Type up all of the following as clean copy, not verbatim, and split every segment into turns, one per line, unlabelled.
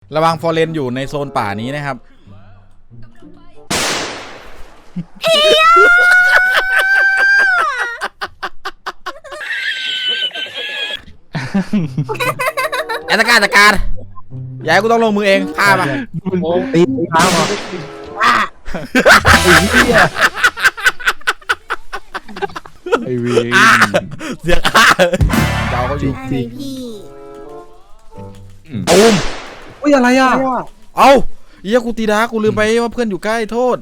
ระวังฟอร์เรนอยู่ในโซนป่านี้นะครับแอตการจัดการอย่าให้กูต้องลงมือเองฆ่ามา
ตีเท้ามาไอ้วี
เสียงเจ้าเขาอยู่
อะไรพี่
ตูม
อุ้ยอะไรอ่ะ
เอาเฮียกูตีดากูลืมไปว่าเพื่อนอยู่ใกล้โทษ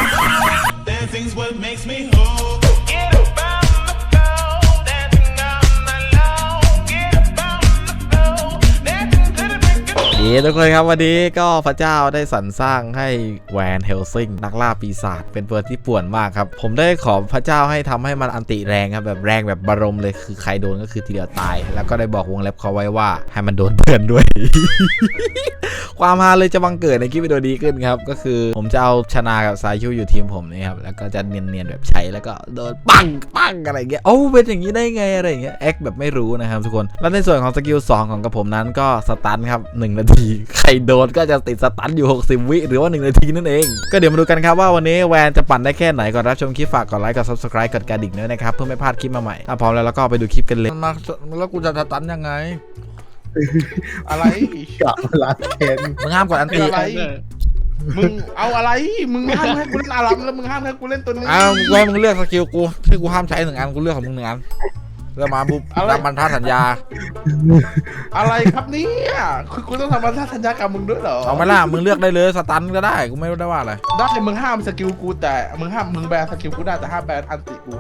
ทุกคนครับวันนี้ก็พระเจ้าได้สรรสร้างให้แวนเฮลซิงนักล่าปีศาจเป็นเปิดที่ป่วนมากครับผมได้ขอพระเจ้าให้ทำให้มันอันติแรงครับแบบแรงแบบบารมเลยคือใครโดนก็คือทีเดียวตายแล้วก็ได้บอกวงเล็บเขาไว้ว่าให้มันโดนเพื่อนด้วย ความฮาเลยจะบังเกิดในคลิปวิดีโอนี้ขึ้นครับก็คือผมจะเอาชนะกับซายูอยู่ทีมผมนี่ครับแล้วก็จะเนียนๆแบบใช้แล้วก็โดนปังอะไรเงี้ยโอ้เป็นอย่างนี้ได้ไงอะไรเงี้ยแอคแบบไม่รู้นะครับทุกคนแล้วในส่วนของสกิล2ของกระผมนั้นก็สตันครับ1 นาทีใครโดนก็จะติดสตันอยู่60 วิหรือว่า1 นาทีนั่นเองก็เดี๋ยวมาดูกันครับว่าวันนี้แวนจะปั่นได้แค่ไหนก่อนรับชมคลิปฝากกดไลค์กด Subscribe กดกระดิ่งด้วยนะครับเพื่อไม่พลาดคลิปมาใหม่ถ้าพร้อมแล้วก็ไปดูคลิปกันเลยมาแล้วกูจะสตันยังไง
อะไร
กะล้างแค้น
มึงห้ามกดอันตี
อะไรมึงเอาอะไรมึงห้ามให้กูเล่นอารัมแล้วมึงห้ามให้กูเล่นตัวนี้
มึงเลือกสกิลกูที่กูห้ามใช้1 อันกูเลือกของมึง1 อันแล้วมาปุ๊บตามบรรทัดสัญญา
อะไรครับเนี่ยคือกูต้องทำบรรทัดสัญญากับมึงด้วยเหรอ
เอาไม่ล่ะมึงเลือกได้เลยสตันก็ได้กูไม่ได้ว่าอะไร
ได้มึงห้ามสกิลกูแต่มึงแบนสกิลกูได้แต่ห้ามแบนอันติกู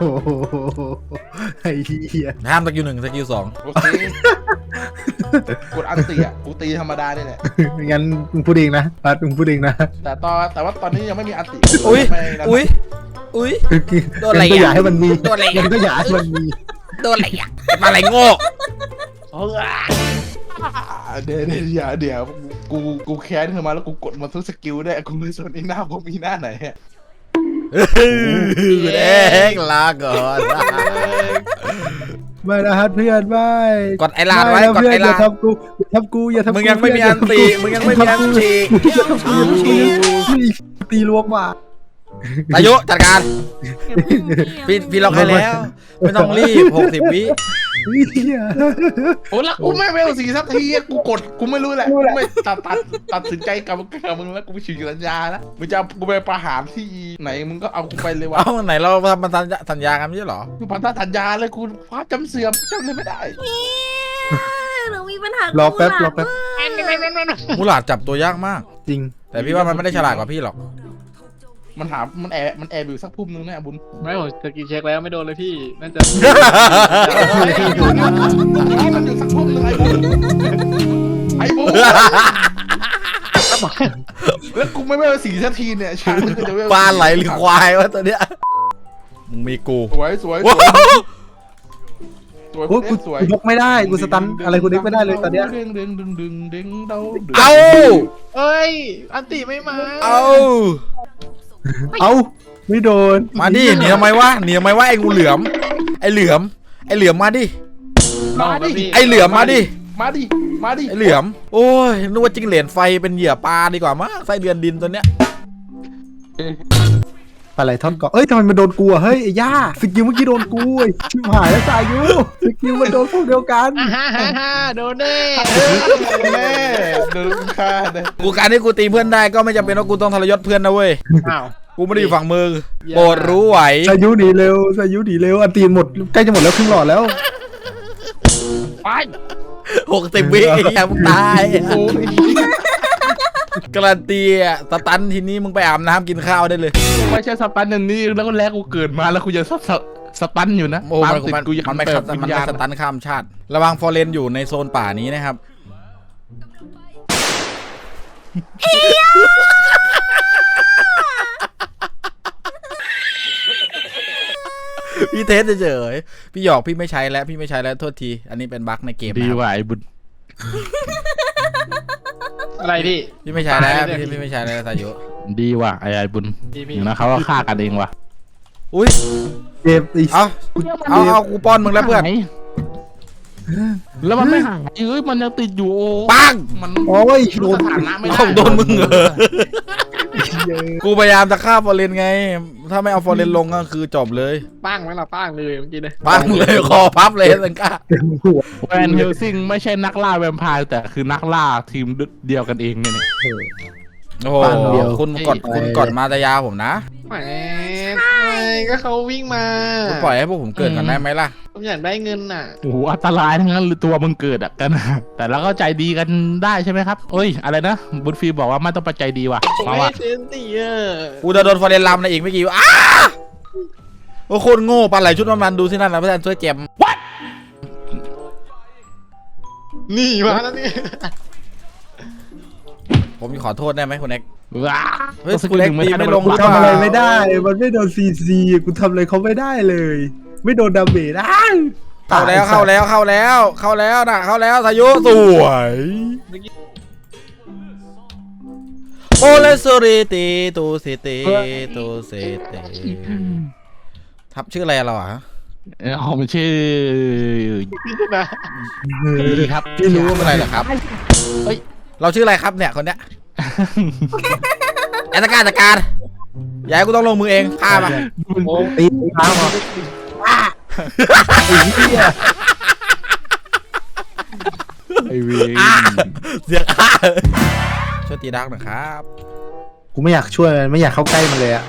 ไอ้เหี้ย
ห้ามสกิล1สกิล2
โอเคกดอันติอ่ะกูตีธรรมดาเนี่ย
งั้นมึงพูดเองนะปัดมึงพูดเองนะ
แต่ว่าตอนนี้ยังไม่มีอันติ
อุ้ยโดนอะไร
ก็อยากให้มันมี
โดนอะไร
ก็อยากให้มันมี
โดนอะไรมาอะไรโง่
เดี๋ยวกูแค้นเธอมาแล้วกูกดมาทุกสกิลได้กูไม่สนอีหน้ากูมีหน้าไหนฮะ
แดงลาก่อน
ไม่นะฮะเพื่อนไม่
กดไอ้ลาดไว้กดไอ้ลาด
อย่าทำกูอย่าทำกู
มึงยังไม่มีอันตี
ตีลวกมา
อายุจัดการพี่ล็อกให้แล้วไม่ต้องรีบ60 วิ
โอ้แล้วกูไม่เวล4 สักทีกูไม่รู้แหละไม่ตัดสินใจกับมึงแล้วกูไปฉีกสัญญาแล้วมึงจะกูไปประหารที่ไหนมึงก็เอากูไปเลยวะ
เอาไหนเราทำสัญญากันไม่ใช่หรอ
กูพันธสัญญาเลยกูคว้าจำเสื่อมจำเลยไม่ได้
เรามีปัญหาร
อแป๊บ
มูหลาดจับตัวยากมาก
จริง
แต่พี่ว่ามันไม่ได้ฉลาดกว่าพี่หรอก
มันแอบอยู่สักพุ่มนึงแน่บุญ
ไม่ผมสกิลเช็คแล้วไม่โดนเลยพี่น่าจะ
มันอยู่สักพุ่มนึงไอ้บุญแล้วกูไม่เวล4 นาทีเนี่ยช้างมันจะเวล
ปลาไหลหรือควายวะตัวเนี้ยมึงมีกู
สวย
กูยกไม่ได้กูสตันอะไรกูนึกไม่ได้เลยตอนเนี้ย
เอา
เอ้ยอันติไม่มา
เอาไม่โดน
มาดิหนีทำไมวะไอ้งูเหลือมไอ้เหลือมมาดิไอ้เหลือมมาดิไอ้เหลือมโอ้ยนึกว่าจิ้งเหลนไฟเป็นเหยื่อปลาดีกว่ามั้งไส้เดือนดินตัวเนี้ย
ปลาไหลท่อนเกาะเอ้ยทำไมมันโดนกูอะเฮ้ยไอ้ย่าสกิลเมื่อกี้โดนกูชิบหายแล้วสายุสกิลมันโดนพวกเดียวกัน
โดนแน่
โดนฆ่าเลย
กูการที่กูตีเพื่อนได้ก็ไม่จำเป็นว่ากูต้องทรยศเพื่อนนะเว้ยกูไม่ได้อยู่ฝั่งมือโปรดรู้ไหว
สายุหนีเร็วอันตีหมดใกล้จะหมดแล้วครึ่งหลอดแล้ว
ไป
60 วิอย่ามึงตายการันตีสตันทีนี้มึงไปอาบน้ำกินข้าวได้เลย
ไม่ใช่สตันอย่างนี้แล้วก็แรกกูเกิดมาแล้วกูยังสตันอยู่นะ
โอ้มันไม่สตันข้ามชาติระวังฟอร์เรนอยู่ในโซนป่านี้นะครับพี่เทสเฉยพี่หยอกพี่ไม่ใช้แล้วโทษทีอันนี้เป็นบั๊กในเกม
ดีว่ะไอ้บุญ
อะไร
พี่ไม่ใช้แล้วพี่ไม่ใช้แล้วสายุ
ดีว่ะไอ้บุญอยู่นะเขาว่าฆ่ากันเองว่ะ
อุ้ย
เจ็บอีก
เอากูป้อนมึงแล้วเพื่อน
แล้วมันไม่หายมันยังติดอยู่
ปัง
มัน
โอ้ยโด
รู้
น
สถานะไม่ได้
เอาโดนมึงเหรอ กูพยายามจะฆ่าฟอร์เรนไง ถ้าไม่เอาฟอร์เรนลงก็คือจบเลย
ป้างไหมล่ะป้างเลยเมื่อกี้เลย
ปังเลยคอพับเลยสังกา
เต็มหัว
แวนเฮลซิงไม่ใช่นักล่าแวมไพร์แต่คือนักล่าทีมเดียวกันเองเนี่ย
โอ้โหคุณกดมาตายาผมนะ
แหมก็เขาวิ่งมา
คุณปล่อยให้พวกผมเกิดก่อนได้ไหมล่ะ
ผมอยากได้เงินน่ะ
โอ้โหอันตรายทั้งนั้นหรือตัวมึงเกิดอ่ะกัน แต่เราก็ใจดีกันได้ใช่ไหมครับเอ้ยอะไรนะบุญฟีบอกว่าไม่ต้องไปใจดีว่ะ
ผม
มา
ไม่
ว่ะ
เซนตี้อ่ะ
กูจะโดนฟอร์เรนลำในอีกไม่กี่อ้าโอ้โคตรโง่ปลาไหลชุดมันดูสินั่นนะพระอาจารย์ช่วยเจม
นี่มาแล้วนี่
ผมขอโทษได้ไหมคุณเอ็ก
ว้า
เฮ้ยคุณเล็กตีไม่ลง
กูทำอะไรไม่ได้ มันไม่โดนซีซีกูทำอะไรเขาไม่ได้เลย ไม่โดนดาเมจได้
เข้าแล้วนะเข้าแล้วสายุสวยโอเลสริตีตูสิตีตูสิตีทับชื่ออะไรเราอ่ะ
เขาไม่ชื่อ
นะ
ดีครับ
พี่รู้ว่าเป็นอะไรเหรอครับเฮ้ยเราชื่ออะไรครับเนี่ยคนเนี้ยจัดการอย่าให้กูต้องลงมือเองฆ่ามา
ตีเท้ามาไอ้เหี้ย
ไอวี
เสียฆ่าช่วยตีดักหน่อยครับ
กูไม่อยากช่วยมันไม่อยากเข้าใกล้มันเลยอะ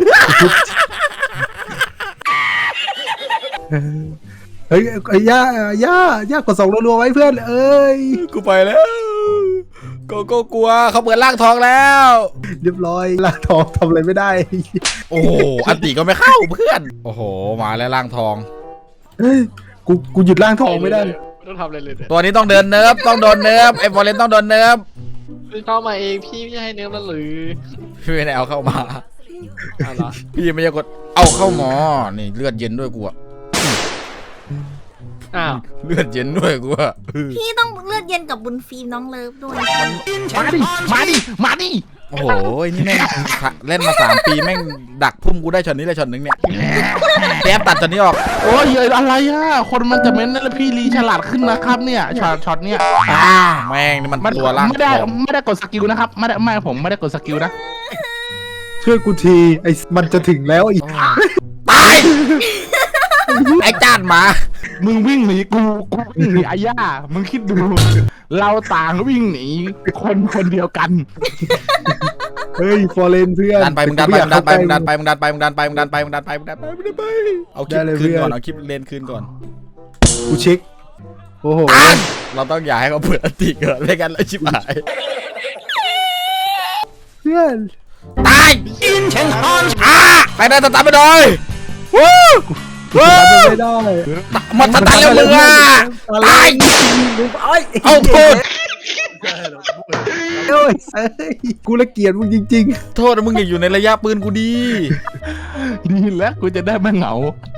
เฮ้ยไอ้ย่ากด2รัวๆไว้เพื่อนเอ้ย
กูไปแล้วก็กลัวเขาเปิดร่างทองแล้ว
เรียบร้อยล่างทองทำอะไรไม่ได้
โอ้โหอันติก็ไม่เข้าเพื่อนโอ้โหมาแล้วร่างทอง
เฮ้ยกูหยุดล่างทองไม่ได้
ไม่ต้องทำอะไรเลยเนี่ย
ตัวนี้ต้องเดินเนิร์ฟต้องโดนเนิร์ฟไอ้ฟอร์เรนต้องโดนเนิร์ฟ
เข้ามาเองพี่ไม่ให้เนื้อแล้วหรือ
พี่ไม่ได้เอาเข้ามา
อะไร
พี่ไม่ได้กดเอาเข้าหมอนี่เลือดเย็นด้วยกูอะ
อ้าว
เลือดเย็นด้วยกูอะ
พี่ต้องเลือดเย็นกับบุญฟิล์มน้องเลิฟด้วย
มาดิ
โอ้โหนี่แม่งเล่นมา3 ปีแม่งดักพุ่มกูได้ช็อตนี้เลยช็อตนึงเนี่ยแป๊บตัดช็อตนี้ออก
โอ้ยอะไรอ่ะคนมันจะเม้นนั่นแล้วพี่ลีฉลาดขึ้นนะครับเนี่ยช็อตเนี่ย
แม่งนี่มันตัวร่าง
ไม่ได้
ทอง
ไม่ได้กดสกิลนะครับไม่ผมไม่ได้กดสกิลนะ
ช่วยกูทีไอ้มันจะถึงแล้วอีก
ตายไอ้จานหมา
มึงวิ่งหนีกูวิ่งหนีอาย่ามึงคิดดู เราต่างวิ่งหนีคนเดียวกัน
เฮ้ยฟอร์เรนเพื่อน
ดันไปมึงดันไปเอาคลิปคืนก่อนเอาคลิปเลนคืนก่อน
กูเช็คโอ้โห
เราต้องอย่าให้เขาเปิดอันติเกิดไม่กันแล้วชิบหาย
เพื่อน
ตายไปได้ตามไปเลยวู้วู้
ไม่ได้
มันตันแล้วมึงอ่ะตายเอาโทษ
เอ้ยกูละเกียดมึงจริง
โทษมึงอย่าอยู่ในระยะปืนกูดี
ดีแล้วกูจะได้ไม่เหงา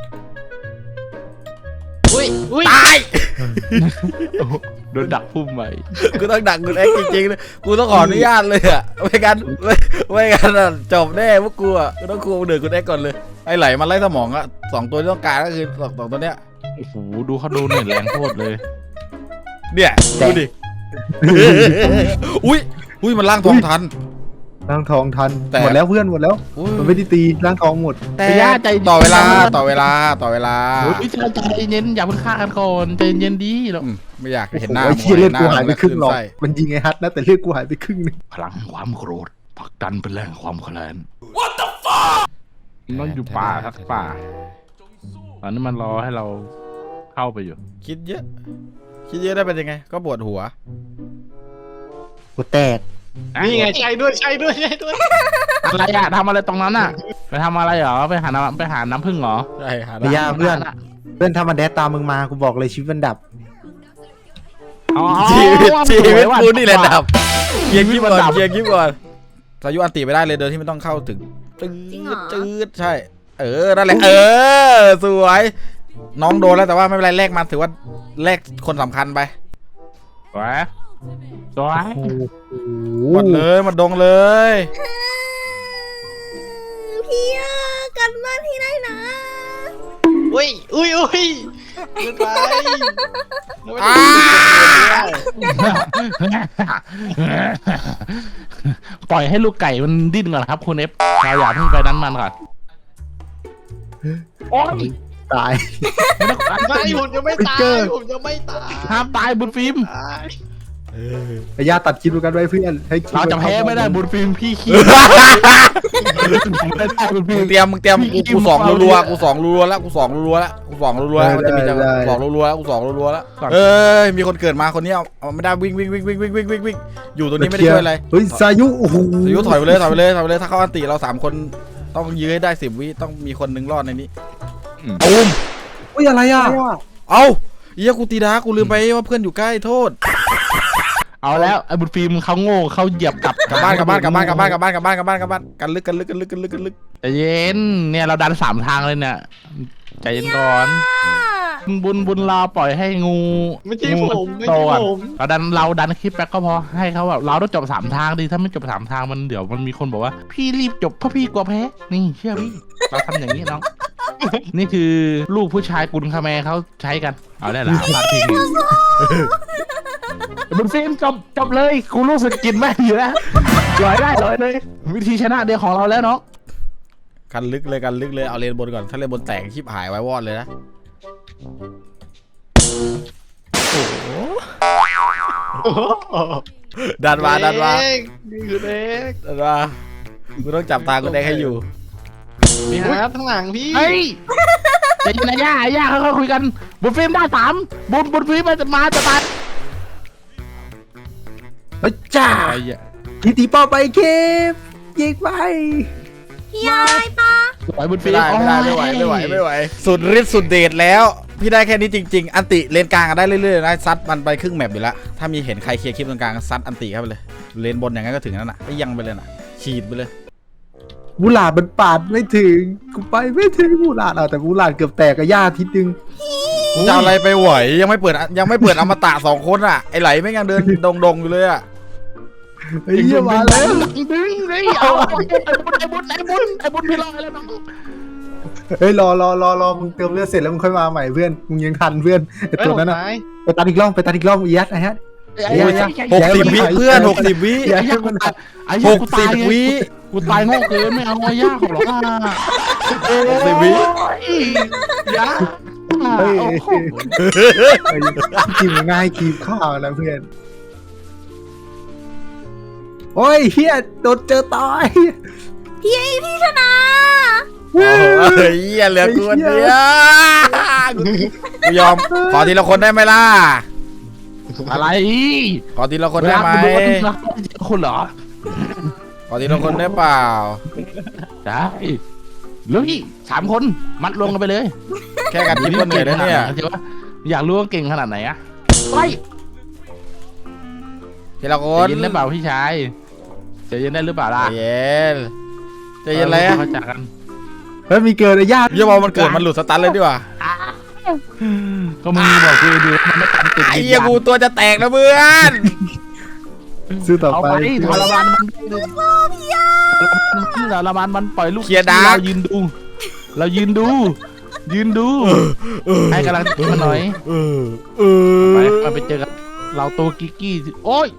อุ้ย
ตาย
โดนดักพุ่มไป
กูต้องดักกูเอ็กจริงๆเลยกูต้องขออนุญาตเลยอ่ะไม่กันจบแน่พวกกูอ่ะกูต้องคูเดือดกูเอ็กก่อนเลยไอ้ไหลมันไล่สมองอ่ะ2 ตัวที่ต้องการก็คือ2 ตัวเนี้ย
โอ้โหดูเขาดูเหนื่อยแรงโคตรเลย
เนี่ยดูดิอุ้ยมันล่างทองทัน
ๆร่างทองทัน
แต่
หมดแล้วเพื่อนหมดแล้วมันไม่ได้ตีร่างทองหมด
แต่ต่อเวลา
โอ้ยใจเย็นอย่าเพิ่งฆ่ากันก่อนใจเย็นดีแล้ว
ไม่อยากเห็นหน้า
ไอ้เชี่ยเลือดกูหายไปครึ่งหรอก
ไส้
มันยิงไอ้ฮัทนะแต่เลือดกูหายไปครึ่งนึง
พลังความโกรธผลักดันเป็นแรงความแค้น What the fuck มันอยู่ป่าครับป่าตอนนี้มันรอให้เราเข้าไปอยู่
คิดเยอะได้เป็นยังไงก็ปวดหัว
กูแตก
นี่ไงใช่ด้วย
อะไรอะทำอะไรตรงนั้นอะไปทำอะไรเหรอไปหาน้ำผึ้งเหรอ
ใช่หา
ไอ้ย่าเพื่อนถ้ามันแดดตามมึงมากูบอกเลยชีวิตมันดับ
ชีวิตกูนี่แหละดับเกียร์กิ๊บก่อนสายุอันติไม่ได้เลยโดยที่ไม่ต้องเข้าถึงจืดใช่นั่นแหละสวยน้องโดนแล้วแต่ว่าไม่เป็นไรแลกมันถือว่าแลกคนสำคัญไป
สวย
หมดเลยหมดดงเลย
พี่กันบ้านที่ได้นะ
อุ้ยไม่ไป
อ้า
ปล่อยให้ลูกไก่มันดิ้นก่อนครับคุณเอฟเราอย่าเพิ่งไปนั้นมันก่อนโอ้ย
ตาย
ไม่ผมจะไม่ตายผมจะไม่ตาย
ห้ามตายบุญฟิล์ม
ตาย
ไอ้ย่าตัดคลิปดูกันไว้เพื่อนให้คลิป
เราจะแพ้ไม่ได้บุญฟิล์มพี่ขี้ไม่ได้บุญฟิ
มึ
ล์
ง
ม
เตรียมกูสองรัวๆกูสองรัวๆแล้วกูสองรัวๆแล้วกูสองรัวๆแล้วมันจะมีจังหวะสองรัวๆแล้วกูสองรัวๆแล้วเอ้ยมีคนเกิดมาคนนี้เอาไม่ได้วิ่งอยู่ตรงนี้ไม่ได้ช่วยอะไร
เฮ้ยสายุโอ้โห
สายุถอยไปเลยถ้าเขาอันติเรา3คนต้องยื้อให้ได้10 วิต้องมีคนหนึ่งรอดในนี้ตูม
เฮ้ยอะไรอ่ะ
เอ้าเหี้ยกูตีดากูลืมไปว่าเพื่อนอยู่ใกล้โทษ
เอาแล้วไอ้บุญฟิล์มเขาโง่เขาเหยียบกลับ
กลับบ้านกันลึก
ใจเย็นเนี่ยเราดัน3 ทางเลยเนี่ยใจเย็นก่อนบุญเราปล่อยให้งู
ไม่ใช่
งู
ผมไม่
โต
ใช่
ก่อน
ผม
เราดันคลิปแบ็กก็พอให้เขาแบบเราต้องจบ3 ทางดีถ้าไม่จบ3 ทางมันเดี๋ยวมันมีคนบอกว่าพี่รีบจบเพราะพี่กลัวแพ้นี่เชื่อพี่เราทำอย่างนี้น้อง นี่คือลูกผู้ชายกุลคาแมเขาใช้กันเอาได้ละพลาดทิ้งบุญฟิล์มจบเลยกูรู้สึกกินแม่อยู่แล้วลอยเลย วิธีชนะเดียวของเราแล้วน้อง
กันลึกเลยเอาเลนบนก่อนถ้าเลนบนแตกชิบหายไว้วอดเลยนะดันมา
นี่คือเด็ก
กูต้องจับตากูแดงให้อยู่
นี่ครับข้างหลังพี่
เฮ้ยใจเย็นนะย่าเขาคุยกันบุญฟิล์มได้3บุญฟิล์มมันจะมาจะตาย
เฮ้ยจ้า
ไอ้เหี้ย
ทีตีเป้าไปเคปยิงไป
พี่ยายปะ
ปล่อยบุญฟิล์ม
ไม่ไหวสุดฤทธิ์สุดเดชแล้วพี่ได้แค่นี้จริงๆอันติเลนกลางได้เรื่อยๆนะซัดมันไปครึ่งแมปอยู่แล้วถ้ามีเห็นใครเคลียร์คลิปตรงกลางซัดอันติเข้าไปเลยเลนบนอย่างนั้นก็ถึงนั่นน่ะไปยังไปเลยน่ะฉีดไปเลย
บูหลาดมันปาดไม่ถึงกูไปไม่ถึงบูหลาดแต่บูหลาดเกือบแตกกับย่าทีนึง
จะเอาอะไรไปไหวยังไม่เปิดอมตะ2 คนอ่ะไอไหลไม่ยังเดินดงอยู่เลยอ่ะ
เฮ้ยเหี้ยมาแล้ว
ดึงเลยเอาไอ้บุญพี่รอแล้วน้อง
เฮ้ยรอมึงเติมเลือดเสร็จแล้วมึงค่อยมาใหม่เพื่อนมึงยังทันเพื่อนไอ้ตัวนั้นน่ะไปตัดอีกรอบอียัดไอ้ฮะ
60 วิเพื่อน60 วิ
อย่าให้มันตัด
60 วิ
กูตายโง่เกินไม่เอาย่าของหรอก
60 วิ
ย่า
เฮ้ยกินง่ายคีบข้าวนะเพื่อนโอ้ยเฮียโดนเจอตาย
พี่ชนะ
โอ้ยเหี้ยเหลือกูคนเดียวกูยอมขอทีละคนได้ไหมล่ะ
อะไร
ขอทีละคนได้ไหม
คนเหรอ
ขอทีละคนได้เปล่า
ได้ลุย3 คนมัดรวมกันไปเลย
แค่กันคิดก็เหนื่อยแล้วเนี่ย
อยากรู้ว่าเก่งขนาดไหนอะไป
ทีละค
ใจ
น
เย็นได้เปล่าพี่ชายใจเย็นได้หรือเปล่าล่ะ
ใจเย็นเลย
เข้าใจกัน
เฮ้ยมีเกิดไอ้ญาติ
อย่าบอกมันเกิดมันหลุดสตันเลยดีกว่า
ก็มึงบอกกูดูมันไม่ตันติด
ไอ้เหี้ยกูตัวจะแตกนะเพื่อน
ซื้อต่อ
เอา
ไป
ไปทรมานมันทรมานมันปล่อยลูกเรายืนดูให้กำลังใจมันหน่อยไปเจอกันเราตัวกิกกี้โอ้ย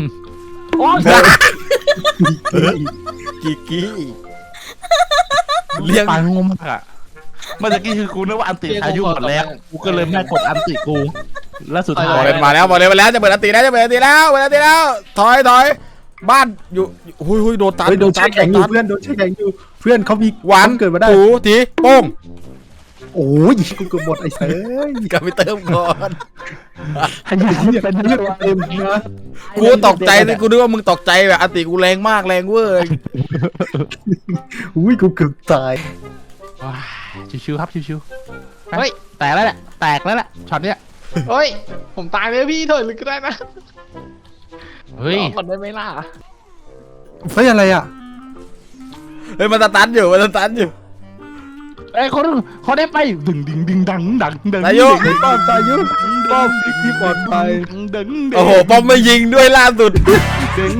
กิกกี้เรียก
ปางงมากอะเมื่อกี้คือกูนึกว่าอันติอายุหมดแล้วกูก็เลยไม่กดอันติกูแล้วสุดท้าย
บอกเลยมาแล้วจะเปิดอันตีแล้วถอยบ้านอยู่หุยโดนตัน
โดนแช่แข็งอยู่เพื่อนโดนแช่แข็งอยู่เพื่อนเขามี
หวาน
เกิดมาได้
ถูทีโป้ง
โอ้ยกูเกือบหมดไอ้เซ้ย
กลับไปเติมก่อน
ให้ยังเป็นเรื่องเต็มนะ
กูตกใจเลยกูนึกว่ามึงตกใจแบบอันติกูแรงมากแรงเว้ย
อุ้ยกูเกือบตาย
ชิวๆครับชิวๆเฮ้ยแตกแล้วแหละช็อตเนี้ย
เฮ้ยผมตายเลยพี่ถอยลึกก็ได้นะ
เฮ้ย
ก่อนได้ไหมล่ะ
เฮ้ยอะไรอ่ะ
เฮ้ยมันสตันอยู่
ไอ้คนได้ไปดึงดัง
นายก
ป้อมตายุป้อมที่ปลอดภัย
ดึง
โอ้โหป้อมไม่ยิงด้วยล่าสุด
ดึง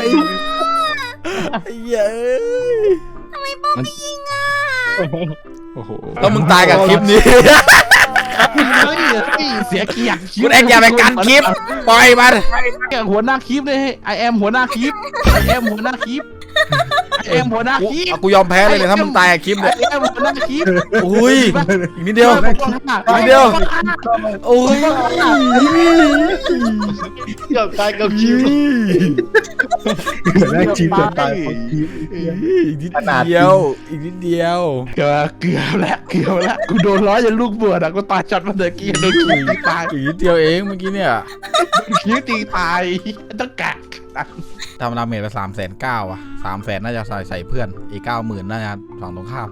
ไอ้เหี้ย
ทำไมป้อมไม่ยิงอ่ะ
มอ้โห
แล้วมึงตายกับคลิปนี้
เฮ้ยเสียเกียรติ
คุณเอ็กอย่าไปกัดคลิปปล่อยมัน
หัวหน้าคลิปเลยไอแอมหัวหน้าคลิปไอแอมหัวหน้าคลิปไอแอมหัวหน้าคลิป
กูยอมแพ้เลยเนี่ยถ้ามึงตายกับคลิปเนี่ย
ไอแอมหัวหน้าคลิป
อุ้ยอีกนิดเดียวอีกนิดเดียวโอ้ย
เกือบตายกับคิว
แรกชีพจะตายเพราะชีพ
อีกนิดเดียวอีกนิดเดียว
เกือบแล้วกูโดนล้อยันลูกเบื่ออ่ะกูตายช็อตมาเดอกี้โดนขี่ตาย
อีกนิดเดียวเองเมื่อกี้เนี่ย
ขี่ตีตายต้องแกะ
ทำดาเมจไป390,000อ่ะ300,000น่าจะใส่เพื่อนอีก90,000น่าจะฝั่งตรงข้าม